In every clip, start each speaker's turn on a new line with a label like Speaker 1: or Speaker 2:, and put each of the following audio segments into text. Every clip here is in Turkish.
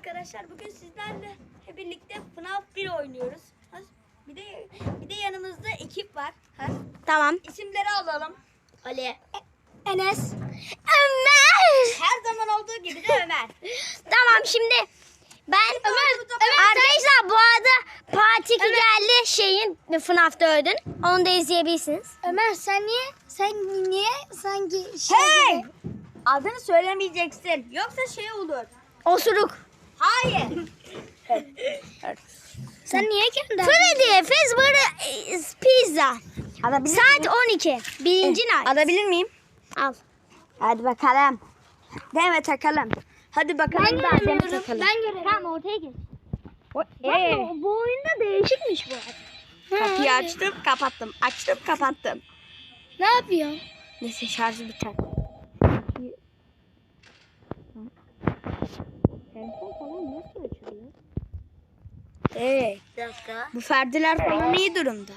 Speaker 1: arkadaşlar. Bugün sizlerle birlikte FNAF 1 oynuyoruz. Bir de yanımızda ekip var.
Speaker 2: Tamam.
Speaker 1: İsimleri alalım. Ali,
Speaker 2: Enes. Ömer.
Speaker 1: her zaman olduğu gibi de Ömer.
Speaker 2: Tamam şimdi ben arkadaşlar bu arada Part 2 geldi şeyin FNAF'ta ödün. Onu da izleyebilirsiniz.
Speaker 3: Ömer sen niye sanki
Speaker 1: Hey! Adını söylemeyeceksin. Yoksa şey olur.
Speaker 2: Osuruk.
Speaker 1: Hayır.
Speaker 3: sen niye kendi
Speaker 2: Freddy Fazbear Pizza.
Speaker 1: Alabilir
Speaker 2: Saat 12. Birinci night.
Speaker 1: Alabilir miyim?
Speaker 2: Al.
Speaker 1: Hadi bakalım. Deme takalım. Hadi bakalım.
Speaker 3: Ben
Speaker 1: daha
Speaker 3: göremiyorum.
Speaker 1: deme takalım.
Speaker 3: Ben göremiyorum.
Speaker 2: Tamam ortaya geç.
Speaker 1: Hey.
Speaker 2: Bu oyunda değişikmiş bu arada.
Speaker 1: Kapıyı açtım kapattım. Açtım kapattım.
Speaker 3: Ne yapıyorsun?
Speaker 1: Neyse şarjı biter. Telefon falan nasıl açılıyor?
Speaker 3: Bir dakika.
Speaker 1: Bu ferdiler falan iyi durumda.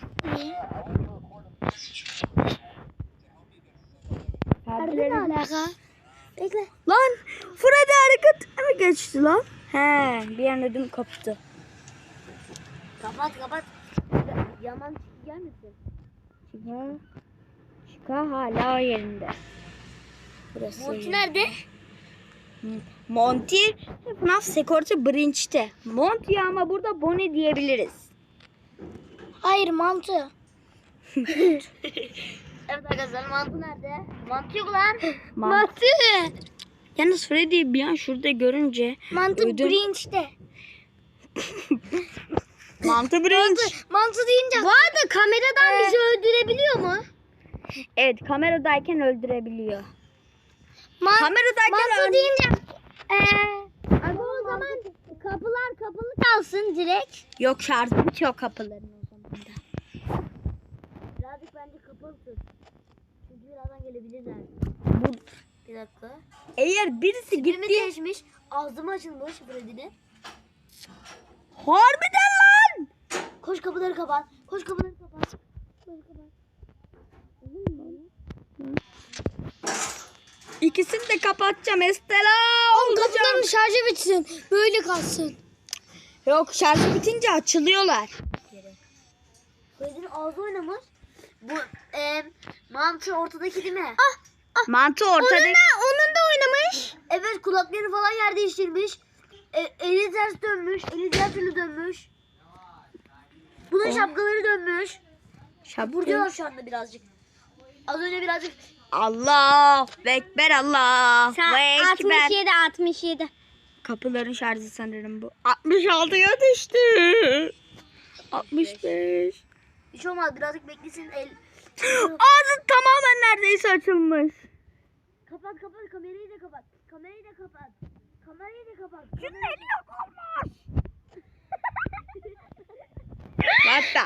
Speaker 3: Nerede ne alaka? Bekle.
Speaker 1: Lan Freddy hareket mi geçti lan? He bir an ödüm koptu.
Speaker 3: Kapat. Yaman gelmesin.
Speaker 1: Şika hala o yerinde. Burası.
Speaker 3: Monty nerede?
Speaker 1: Monty FNAF Security Branch'te. Monty ama burada Bonnie diyebiliriz.
Speaker 3: Hayır mantı. Evet arkadaşlar mantı nerede? Mantı yok lan.
Speaker 1: Mantı. Yalnız Freddy'yi bir an şurada görünce
Speaker 3: Mantı
Speaker 1: ödüm-
Speaker 3: Grinch'te.
Speaker 1: Mantı Branch.
Speaker 3: Mantı deyince.
Speaker 2: Bu arada kameradan bizi öldürebiliyor mu?
Speaker 1: Evet kameradayken öldürebiliyor.
Speaker 3: Mantı
Speaker 1: Kameradayken
Speaker 3: deyince.
Speaker 2: Abi o zaman kapılar kapalı kalsın direkt.
Speaker 1: Yok şarjı bitiyor kapıların o zaman da.
Speaker 3: Birazcık bence kapalı tut. Çünkü birazdan gelebilirler. Bir dakika.
Speaker 1: Eğer birisi
Speaker 3: Tipimi
Speaker 1: gitti.
Speaker 3: değişmiş. Ağzımı açılmış Freddy'nin.
Speaker 1: Harbiden lan.
Speaker 3: Koş kapıları kapat. Koş kapıları kapat. Kapıları kapat.
Speaker 1: İkisini de kapatacağım Estela.
Speaker 3: Kapıların şarjı bitsin. Böyle kalsın.
Speaker 1: Yok şarjı bitince açılıyorlar.
Speaker 3: Freddy'nin ağzı oynamış. Bu mantı ortadaki değil mi?
Speaker 1: Mantı ortada.
Speaker 2: Onun da oynamış.
Speaker 3: Evet kulakları falan yer değiştirmiş. Eli ters dönmüş. Eli diğer türlü dönmüş. Bunun şapkaları dönmüş. Burcuyor şu anda birazcık. Az önce birazcık.
Speaker 1: Allah Ekber Allah.
Speaker 2: 67.
Speaker 1: Kapıların şarjı sanırım bu. 66'ya düştü. 65.
Speaker 3: Bir şey olmaz birazcık beklesin.
Speaker 1: Ağzı tamamen neredeyse açılmış.
Speaker 3: Kapat kamerayı da kapat. Kamerayı da kapat. Kamerayı da kapat.
Speaker 1: Şunun eli yok olmuş. Hatta.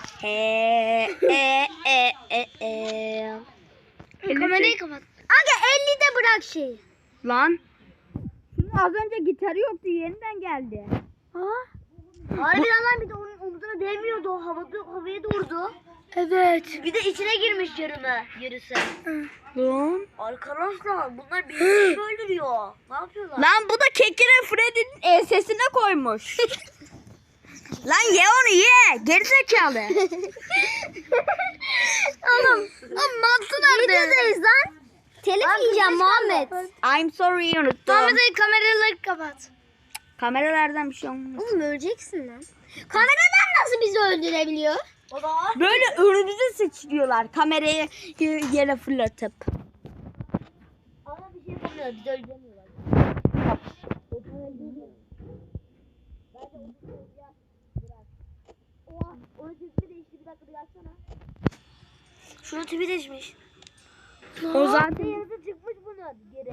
Speaker 3: Kamerayı kapat.
Speaker 2: Aga 50'de bırak şeyi.
Speaker 1: Lan. Şunun az önce gitarı yoktu yeniden geldi.
Speaker 3: Harbiden lan bir de onun omzuna değmiyordu. O havaya doğurdu.
Speaker 2: Evet.
Speaker 3: Bir de içine girmiş yarısı.
Speaker 1: Lan.
Speaker 3: Arkadaşlar bunlar birbirini öldürüyor. Ne yapıyorlar?
Speaker 1: Lan bu da kekire Freddy'nin ensesine koymuş. Lan ye onu ye. Gerizekalı.
Speaker 2: Oğlum mantı nerede? Videodayız lan. Telif yiyeceğim Muhammed.
Speaker 1: I'm sorry unuttum.
Speaker 3: Kameraları kapat.
Speaker 1: Kameralardan bir şey olmaz.
Speaker 2: Oğlum öleceksin lan. Kameradan nasıl bizi öldürebiliyor?
Speaker 3: O da var.
Speaker 1: Böyle önümüze sıçrıyorlar kamerayı yere fırlatıp.
Speaker 3: Ama bir şey yapamıyor. Bizi öldüremiyorlar. Onun tipi değişti. Bir dakika bir açsana. Şunun tipi değişmiş.
Speaker 1: O zaten
Speaker 3: Yarısı çıkmış bunun geri.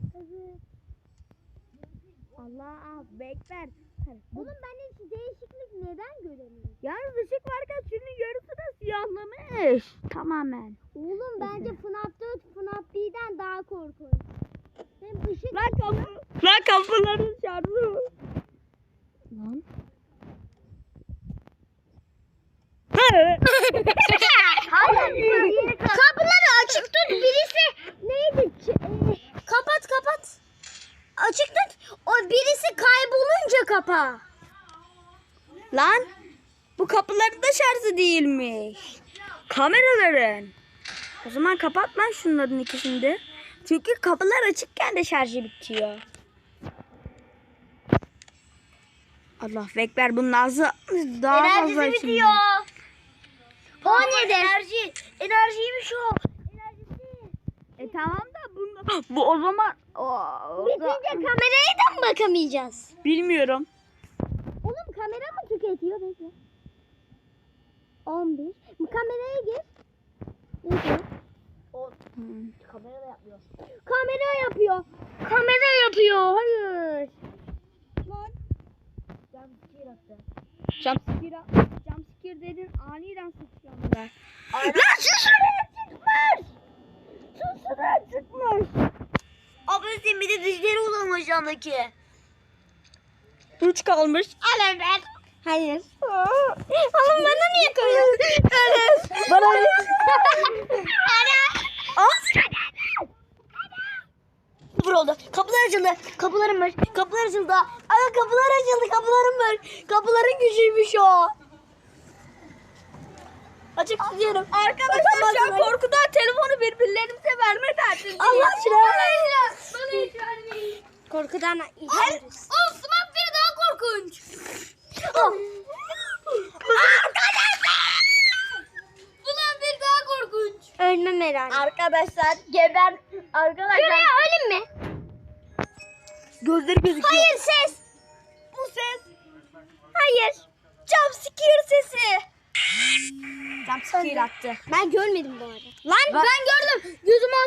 Speaker 1: Allah bekler.
Speaker 2: Oğlum ben hiç değişiklik neden göremiyorum?
Speaker 1: Yalnız ışık varken şunun yarısı da siyahlamış. Tamamen.
Speaker 2: Oğlum bence FNAF 4 FNAF 1'den daha korkunç. Hem ışık
Speaker 1: Lan kapıların şarjı. Lan.
Speaker 2: Kapıları açık tut birisi neydi? Kapat. Açık tut. O birisi kaybolunca kapa.
Speaker 1: Lan bu kapıların da şarjı değilmiş. Kameraların. O zaman kapatma şunların ikisini de. Çünkü kapılar açıkken de şarjı bitiyor. Allah ekber, bunun ağzı daha fazla
Speaker 3: Enerjisi
Speaker 1: şimdi.
Speaker 3: bitiyor.
Speaker 2: 17.
Speaker 3: Enerjiymiş o.
Speaker 1: Tamam da bu o zaman
Speaker 2: Bitince kameraya da mı bakamayacağız?
Speaker 1: bilmiyorum.
Speaker 2: Oğlum kamera mı tüketiyor? Bekle. 11. Bu kameraya gir. Bekle.
Speaker 3: Kamera da yapmıyor.
Speaker 2: Kamera yapıyor. Kamera yapıyor. Hayır.
Speaker 1: Jumpscare dedin, aniden sıçramlar.
Speaker 2: Lan şuraya çıkmış.
Speaker 1: Şuraya çıkmış.
Speaker 3: Abi sen bir de dişleri uzanmış yandaki.
Speaker 1: 3 kalmış.
Speaker 2: Alın ver. Hayır. Oğlum bana niye koyuyorsun?
Speaker 1: Bana
Speaker 3: Sıfır oldu. Kapılar açıldı. Kapılarım var. Kapılar açıldı. Aga kapılar açıldı. Kapılarım var. Kapıların gücüymüş o. Açık tutuyorum.
Speaker 1: Arkadaşlar şu an korkudan telefonu birbirlerimize verme derdindeyiz.
Speaker 3: Allah aşkına.
Speaker 2: Bana hiç vermeyin. Korkudan içiyoruz.
Speaker 3: Osman bir daha korkunç. Ulan bir daha korkunç.
Speaker 2: Ölmem herhalde.
Speaker 3: Arkadaşlar geber. Arkadaşlar.
Speaker 2: Şuraya ölüm mü?
Speaker 1: Gözleri gözüküyor.
Speaker 2: Hayır ses.
Speaker 1: Bu ses.
Speaker 2: Hayır.
Speaker 1: Jumpscare sesi. Jumpscare attı.
Speaker 2: Ben görmedim bu arada.
Speaker 1: Lan
Speaker 3: Ben gördüm. Gözüm